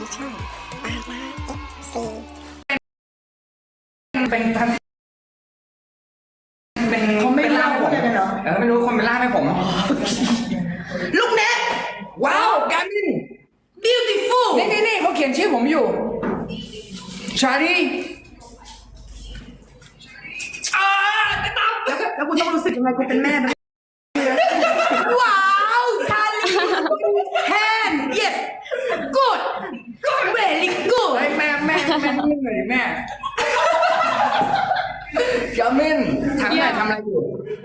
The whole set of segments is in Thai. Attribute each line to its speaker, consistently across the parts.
Speaker 1: ช่องปาราเอฟซี
Speaker 2: เป็นท่านเป็น
Speaker 3: เขาไม่เล่า
Speaker 2: ผม
Speaker 3: อะไรกันเหรอ
Speaker 2: ไม่รู้คนเป็นล่ามให้ผม
Speaker 3: ลูกเน็ต
Speaker 2: ว้าวการมิน
Speaker 3: beautiful
Speaker 2: นี่เขาเขียนชื่อผมอยู่ชาลีจะตาม
Speaker 3: แล้วคุณต้องรู้สึกยังไงคุณเป็นแม่ไหมว้าวชาลีแฮน yes good very good
Speaker 2: เฮ้ยแม่นิ่งเลยแม่การมินทำอะไรอยู่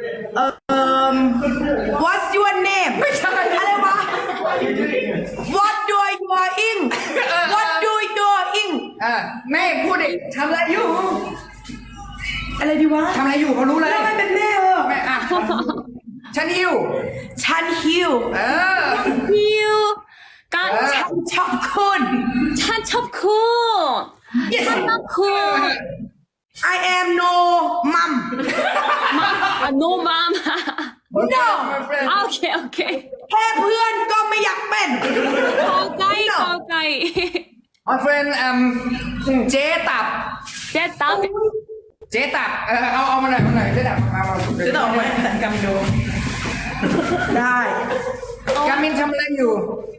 Speaker 3: what's your name
Speaker 2: ไม่ใช่
Speaker 3: อะไรวะ what do you doing what do you doing
Speaker 2: แม่พูดดิทำอะไรอยู่
Speaker 3: อะไรดีวะ
Speaker 2: ทำอะไรอยู่เขารู้เลย
Speaker 3: แล้วมันเป็นแม่
Speaker 2: แม่ฉันหิว
Speaker 3: ฉันหิว
Speaker 4: หิวกัน
Speaker 3: ฉันชอบคุณ
Speaker 4: ฉันชอบคุณ
Speaker 3: yes
Speaker 4: ฉันรักคุณ
Speaker 3: I am no mom
Speaker 4: no mom
Speaker 3: no
Speaker 4: โอเคโอเค
Speaker 3: แค่เพื่อนก็ไม่อยากเป็น
Speaker 4: เข้าใจเข้าใจ
Speaker 2: My friend เจ๊ตับ
Speaker 4: เจ๊ตับ
Speaker 2: เจ๊ตับเอามาหน่อยเจ๊ตับมา
Speaker 3: จะตอบไหมสันกรรมดูได้
Speaker 2: การมินทำอะไรอยู่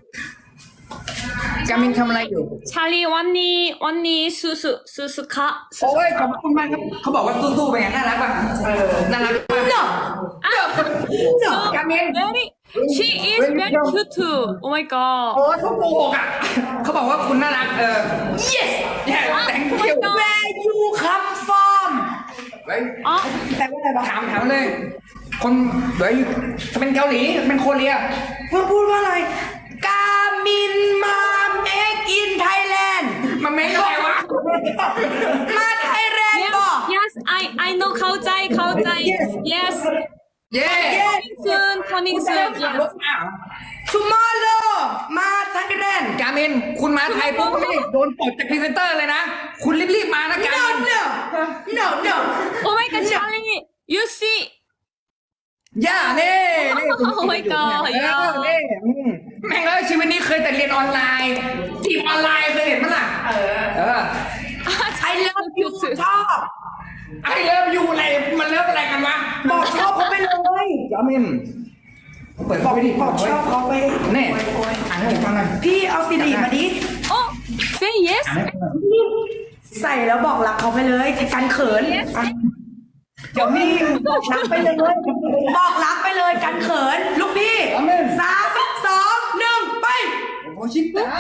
Speaker 2: การมินทำอะไรอยู่
Speaker 4: ชาลีวันนี้สู้ค่ะ
Speaker 2: โอ้ยขอบคุณมากครับเขาบอกว่าสู้ๆไปไงน่ารักป่ะน่ารักป่ะ
Speaker 3: no
Speaker 2: การมิน
Speaker 4: very she is very cute too oh my god
Speaker 2: โอ้ยเขาโกหกอ่ะเขาบอกว่าคุณน่ารัก
Speaker 3: yes
Speaker 2: yeah thank you
Speaker 3: where you come from
Speaker 4: อ๋อ
Speaker 3: แต่ว่าอะไรวะ
Speaker 2: ถามเลย คนเดี๋ยวเป็นเกาหลีเป็นโคเรีย
Speaker 3: พูดว่าอะไร กามินมาเมกอินไทยแลนด์
Speaker 2: มันไม่ได้วะ
Speaker 3: มาไทยแลนด์บอก
Speaker 4: yes I know เข้าใจ yes
Speaker 2: เย้
Speaker 4: coming soon yes
Speaker 3: tomorrow มาไทยแลนด์
Speaker 2: การมินคุณมาไทยปุ๊บนี่โดนปลดจากพรีเซนเตอร์เลยนะ คุณรีบๆมานะการ
Speaker 3: no
Speaker 2: มิน
Speaker 3: no no no
Speaker 4: oh my god Charlie you see
Speaker 2: ย่าเน่นี่
Speaker 4: oh my god
Speaker 2: นี่แม่งเลยชีวิตนี้เคยแต่เรียนออนไลน์จีบออนไลน์เคยเห็นมั้ยล่ะ
Speaker 3: I love you ชอบ
Speaker 2: ไอเลิฟยูอะไรมันเลิฟอะไรกันวะ
Speaker 3: บอกชอบเขาไปเลย
Speaker 2: จามินเปิด
Speaker 3: บอก
Speaker 2: ไปดิ
Speaker 3: บอกชอบเขาไป
Speaker 2: แน่อ่านให้ผมฟังหน่อย
Speaker 3: พี่เอาซีดีมาดิ
Speaker 4: oh say yes
Speaker 3: ใส่แล้วบอกรักเขาไปเลยกันเขินเดี๋ยวพี่บอกรักไปเลยบอกรักไปเลยกันเขินลูกพี่3 2 1ไป
Speaker 2: โอ้ชิบะ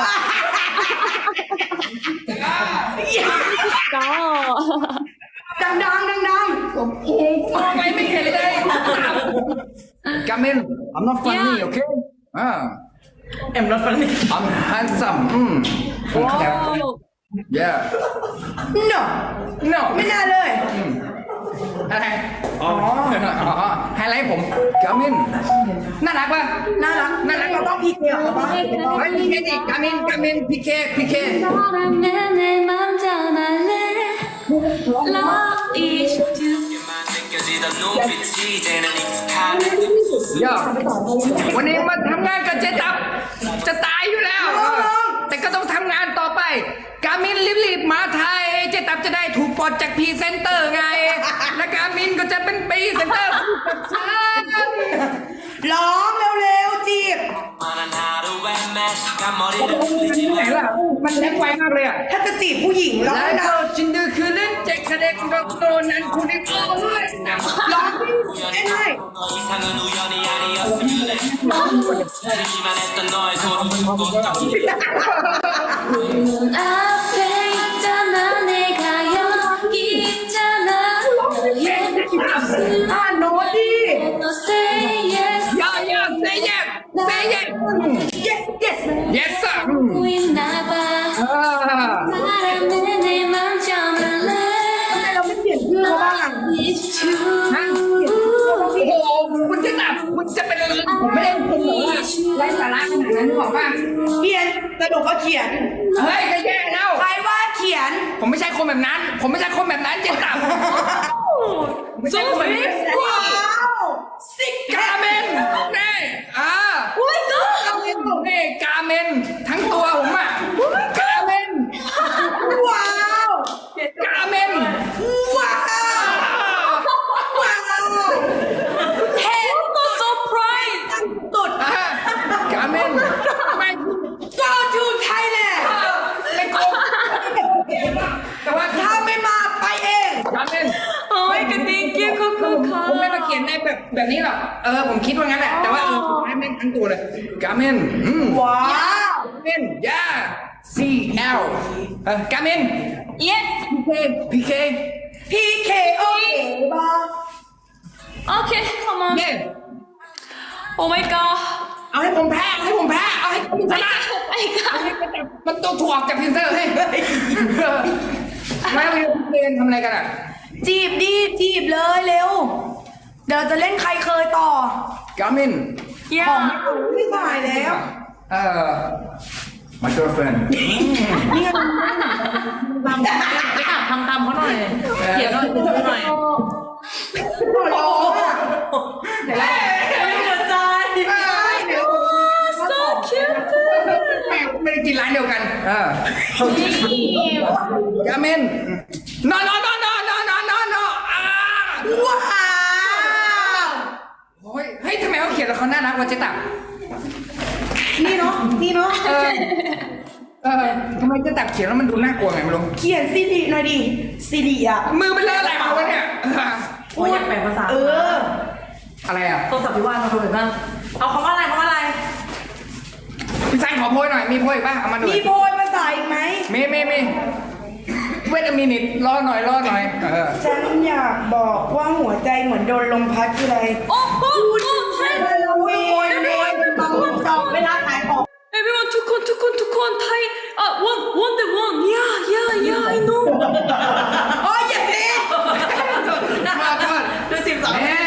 Speaker 4: go
Speaker 3: ดัง
Speaker 2: โอ้โหไม่เห็นเลยกามิน I'm not funny okay
Speaker 3: I'm not funny
Speaker 2: I'm handsome
Speaker 4: wow
Speaker 2: yeah
Speaker 3: no
Speaker 2: no
Speaker 3: ไม่น่าเลย
Speaker 2: อะไรไฮไลท์ผมกามินน่ารักป่ะ
Speaker 3: น่ารักเราต้องพีเคเขาบ้าง
Speaker 2: เฮ้ยพีเคดิกามินพีเค
Speaker 4: 사람의 내 맘 전할래 Love is to
Speaker 5: 느껴지던 눈빛이 이제는 익숙한
Speaker 2: ย่าวันนี้มาทำงานกับเจ๊ตับจะตายอยู่แล้ว แต่ก็ต้องทำงานต่อไป กามินรีบๆมาไทยเจ๊ตับจะได้ถูกปลดจากพรีเซนเตอร์ไง และกามินก็จะเป็นพรีเซนเตอร์คู่กับฉัน
Speaker 3: ร้องเร็วๆจีบ
Speaker 5: 만한 하루에 매 시간 머리를 풀리지
Speaker 2: ไหนล่ะมันแรงไวมากเลยอ่ะ
Speaker 3: ถ้าจะจีบผู้หญิงร้อง
Speaker 2: แล้ว
Speaker 3: นะ
Speaker 2: ก็ชินดือคือเล่นเจ๊คเด็กโดนนั้นคุณได้โอ้ย
Speaker 3: ร้องได้
Speaker 5: 더 이상은 우연이 아니었으면 해 들기만 했던 너의 소리 듣고
Speaker 4: 앞에 있잖아 내가 여기 있잖아 너의 모습
Speaker 3: โน้ตดิ
Speaker 4: 너 say yes
Speaker 2: ย่าsay yes
Speaker 3: yes
Speaker 2: yes sir
Speaker 4: 보고 있나봐 사람의 내 맘 전할래
Speaker 3: เราไม่เปลี่ยนชื่อเขาบ้าง
Speaker 4: It's true
Speaker 2: โอ้โหคุณจะแบบคุณจะเป็นผมไม่ได้คุณหรอกไร้สาระขนาดนั้นหรอกป่ะ
Speaker 3: เขียนสรุปว่าเขียน
Speaker 2: เฮ้ยก็แย่แล้ว
Speaker 3: ใครว่าเขียน
Speaker 2: ผมไม่ใช่คนแบบนั้น ผมไม่ใช่คนแบบนั้นเจ๊ตับไม่ใช่คนแบบนั้น
Speaker 3: ว้าวสิก
Speaker 2: กาเมนนี่
Speaker 3: โอ้ยก็
Speaker 2: นี่กาเมนทั้งตัวผมอ่ะ
Speaker 3: โอ้
Speaker 2: ผมคิดว่างั้นแหละแต่ว่าสุดท้ายแม่งทั้งตัวเลยกามิน
Speaker 3: ว้าว
Speaker 2: Gamin yeah CL Gamin
Speaker 4: Yes.
Speaker 2: PK
Speaker 3: พี่เคโอเคบ้า
Speaker 4: Okay, come on.
Speaker 2: เนี่ย
Speaker 4: Oh my god.
Speaker 2: เอาให้ผมแพ้เอาให้ผมชนะ
Speaker 4: I got.
Speaker 2: มันตัวถ่วงจากพินเซอร์ให้ไม่เรียนทำอะไรกันอ่ะ
Speaker 3: จีบดีจีบเลยเร็ว เดี๋ยวจะเล่นใครเคยต่อ
Speaker 2: Gamin
Speaker 3: ของ
Speaker 4: Yeah.
Speaker 3: ไม่ถ่ายแล้ว
Speaker 2: my girlfriend
Speaker 3: นี่ไง
Speaker 4: ทำตามเขาหน่อยเขียนหน่อยพูดหน่อย
Speaker 3: หัวเราะอะ
Speaker 4: หัวใจ so cute
Speaker 2: ไม่ได้กินร้านเดียวกันGamin no
Speaker 3: ว้าว
Speaker 2: โอ้ยเฮ้ยทำไมเขาเขียนแล้วเขาน่ารักวะเจ๊ตับ
Speaker 3: นี่เนาะ
Speaker 2: ทำไมเจ๊ตับเขียนแล้วมันดูน่ากลัวไงไม่รู้
Speaker 3: เขียนซีดีหน่อยดิซีดีอ่ะ
Speaker 2: มือมันเลอะอะไรมาวะเนี่ย
Speaker 4: โอ้ยอยากแปลภาษา
Speaker 2: อะไรอ่ะ
Speaker 4: โทรศัพท์พี่ว่านมาดูหน่อยบ้างเอาคำว่าอะไร
Speaker 2: พี่ซันขอโพยหน่อยมีโพยป่ะเอามาหน่อย
Speaker 3: มีโพยภาษาอีกไหม
Speaker 2: มีเวทมินิตรอหน่อย
Speaker 3: ฉันอยากบอกว่าหัวใจเหมือนโดนลมพัดทีไร
Speaker 4: โอ้โห
Speaker 3: โวยบางคนจองเวลาขายของ
Speaker 4: everyone ทุกคนไทยone the one yeah I know
Speaker 3: โอ้ยอย่าเล่น
Speaker 4: ดูสิบสอง
Speaker 2: นี่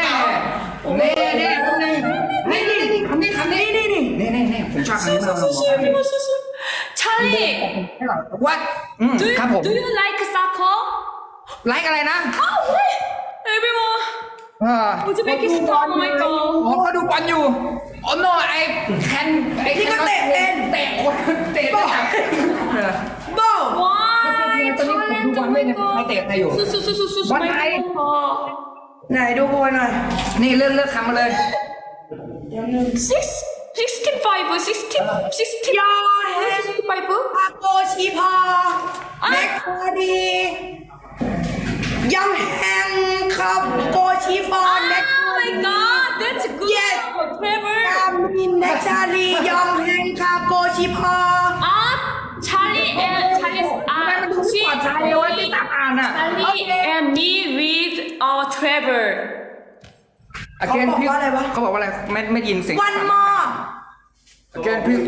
Speaker 2: คำนี้ผมชอบคำนี้มาก
Speaker 4: Charlie
Speaker 2: วัดครับผม
Speaker 4: do you like soccer
Speaker 2: ไลค์อะไรนะ
Speaker 4: everyone อุซเบกิสถาน oh my god
Speaker 2: อ๋อเขาดูบอลอยู่อ๋อ no
Speaker 3: พี่ก็เตะเป็น
Speaker 2: เตะคนเตะได้
Speaker 3: โบ้
Speaker 4: ว้า
Speaker 2: ตอนนี้ผมดูบอลไม่เนี่ยใครเตะใครอยู่
Speaker 4: สู้ไม่ได้
Speaker 3: ไหนดูโพยหน่อย
Speaker 2: นี่เลือกคำมาเลย
Speaker 4: 65
Speaker 3: ยอเฮน
Speaker 4: 65
Speaker 3: พาโกชีพอแม็กคอดียังแฮงครับโกชีฟอนแม็ก
Speaker 4: oh my god that's good
Speaker 3: Yes.
Speaker 4: Trevor
Speaker 3: กามินแม็กชาลียองแฮงครับโกชีพอ
Speaker 4: Charlie and Charlie
Speaker 2: มันดูปลอดภัยเลยว่าที่ตับอ่านอ่ะ
Speaker 4: Charlie and me with Trevor
Speaker 3: เขาบอกว่าอะไรวะ
Speaker 2: เขาบอกว่าอะไรไม่ยินเสียง
Speaker 3: วันมอ
Speaker 2: Again please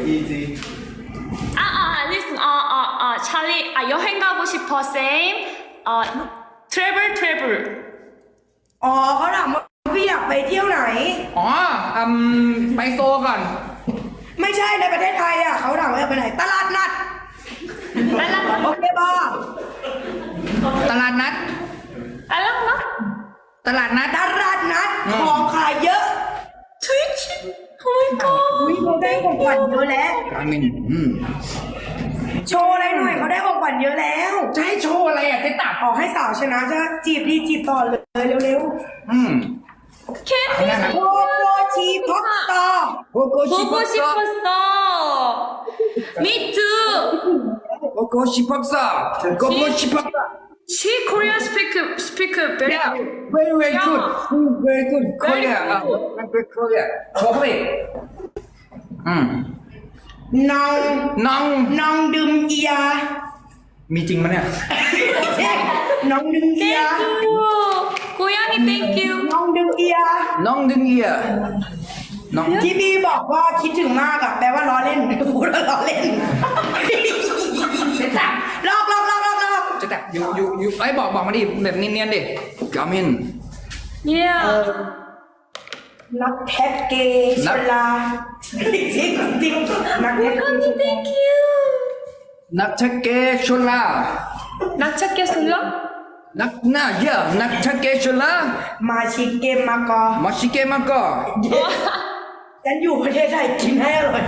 Speaker 4: listen Charlie 여행 가고 싶어 same Trevor
Speaker 3: อ๋อเขาถามว่าพี่อยากไปเที่ยวไหน
Speaker 2: อ๋อไปโซก่อน
Speaker 3: ไม่ใช่ในประเทศไทยอ่ะเขาถามว่าอยากไปไหน ตลาดนัดโอเคบอ
Speaker 2: ตลาดนัด
Speaker 4: 알랑나
Speaker 2: ตลาดนัด
Speaker 3: ตลาดนัดของขายเยอะ
Speaker 4: 트위치 oh my god
Speaker 3: อุ้ยเขาได้ของขวัญเยอะแล้ว
Speaker 2: กามิน
Speaker 3: โชว์อะไรหน่อยเขาได้ของขวัญเยอะแล้ว
Speaker 2: จะให้โชว์อะไรอ่ะเจ๊ตับ
Speaker 3: ขอให้สาวชนะจะจีบดีจีบต่อเลยเร็ว
Speaker 4: 캔디
Speaker 3: ๆโกโกชีพ็อกต่อ
Speaker 2: โกโกชิ
Speaker 4: 보고 싶었어 me too
Speaker 2: โกโกชิพ็อกซ่าโกโกชิพ็อกซ่า
Speaker 4: she Korean speak very
Speaker 2: Yeah,
Speaker 4: good
Speaker 2: very good. Very good. Korea.
Speaker 4: good.
Speaker 2: Very Korea. Korea.
Speaker 3: น้อง
Speaker 2: น้อง
Speaker 3: ดื่มเอีย
Speaker 2: มีจริงมั้ยเนี่ย
Speaker 3: น้องดื่มเอีย
Speaker 4: thank you 고양이 thank you
Speaker 3: น้องดื่มเอีย
Speaker 2: น้องดึงเอียน้อง
Speaker 3: ที่พี่บอกว่าคิดถึงมากอะแปลว่าล้อเล่นพูดว่าล้อเล่น
Speaker 2: เจ๊ตับ
Speaker 3: ลอก
Speaker 2: เจ๊ตับอยู่ไอ้บอกมาดิแบบเนียนๆดิกามิน
Speaker 4: yeah
Speaker 3: นักแท็กเกย์ชลาจริงนักแท็กเกย์
Speaker 4: 고양이 thank you
Speaker 2: นักชักเกชลา
Speaker 4: 낙차게 술라
Speaker 2: นักหน้าเยอะนักชักเกชลา
Speaker 3: มาชิเกมากอ
Speaker 2: มาชิเกมาก็
Speaker 3: ฉันอยู่ประเทศไทยกินให้อร่อย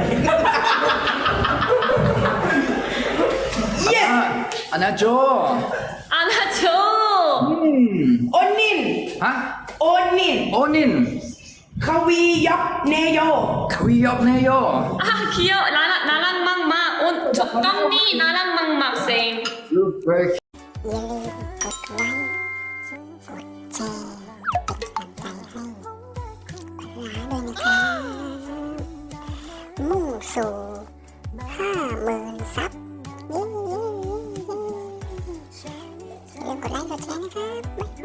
Speaker 3: yes
Speaker 2: อันนั้นโจ
Speaker 4: 안아줘
Speaker 3: โอนิน
Speaker 2: ฮะ
Speaker 3: โอนิน
Speaker 2: โอนิน
Speaker 3: ควียับเนโย
Speaker 2: ควียอบเนโย
Speaker 4: 귀여워 나랑 막막 깜니 나랑 막막 same
Speaker 2: Look very
Speaker 1: อย่าลืมกดไลค์กดแชร์เป็นกำลังใจให้พวกเราครับ